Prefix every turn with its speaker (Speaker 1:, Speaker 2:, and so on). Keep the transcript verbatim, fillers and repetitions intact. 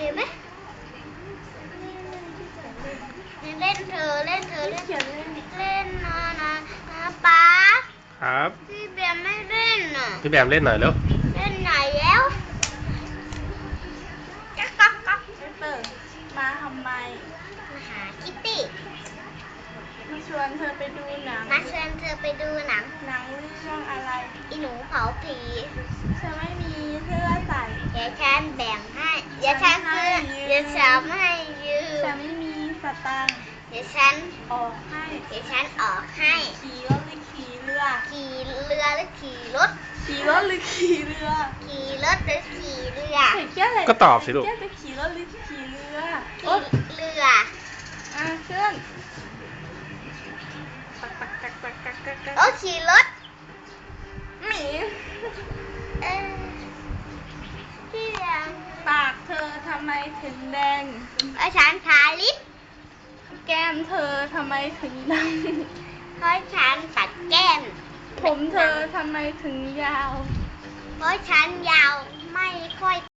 Speaker 1: ไหมเล่นเธอเล่นเธอเล่นเล่นนะนะนะป๊า
Speaker 2: ครับ
Speaker 1: พี่แบมไม่เล่นอ่ะ
Speaker 2: พี่แบมเล่นหน่อยเร็ว
Speaker 1: เล่นไหนแล้วจ๊กก๊อกก๊อก
Speaker 3: เปิดมาทำไม
Speaker 1: มาหาคิตตี้
Speaker 3: มาชวนเธอไปดูหนัง
Speaker 1: มาชวนเธอไปดูหนัง
Speaker 3: หนังเรื่องอะไร
Speaker 1: อีหนูเผาผี
Speaker 3: เธอไม่มีเสื้อใส่
Speaker 1: เดี๋ยวฉันแบ่งให้เดี๋ยวฉันซื้อเดี๋ยวฉันให้ยืม
Speaker 3: ฉันไม่มีสตางค์
Speaker 1: เดี๋ยวฉัน
Speaker 3: ออกให้
Speaker 1: เดี๋ยวฉันออกให้
Speaker 3: ขี่รถหรือขี่เรือ
Speaker 1: ขี่เรือหรือขี่รถ
Speaker 3: ขี่รถหรือขี่เรือ
Speaker 1: ขี่รถหรือขี่เรือ
Speaker 2: ก็ตอบสิลูก
Speaker 3: จะขี่รถหรือขี่เรือ
Speaker 1: ขี่เรือ
Speaker 3: อ่ะเคลื่อน
Speaker 1: โอ้ขี่รถ
Speaker 3: หมี
Speaker 1: เออที่แดง
Speaker 3: ปากเธอทำไมถึงแดง
Speaker 1: เพราะฉันทาลิป
Speaker 3: แก้มเธอทำไมถึงดำ
Speaker 1: เพราะฉันตัดแก้ม
Speaker 3: ผมเธอทำไมถึงยาว
Speaker 1: เพราะฉันยาวไม่ค่อย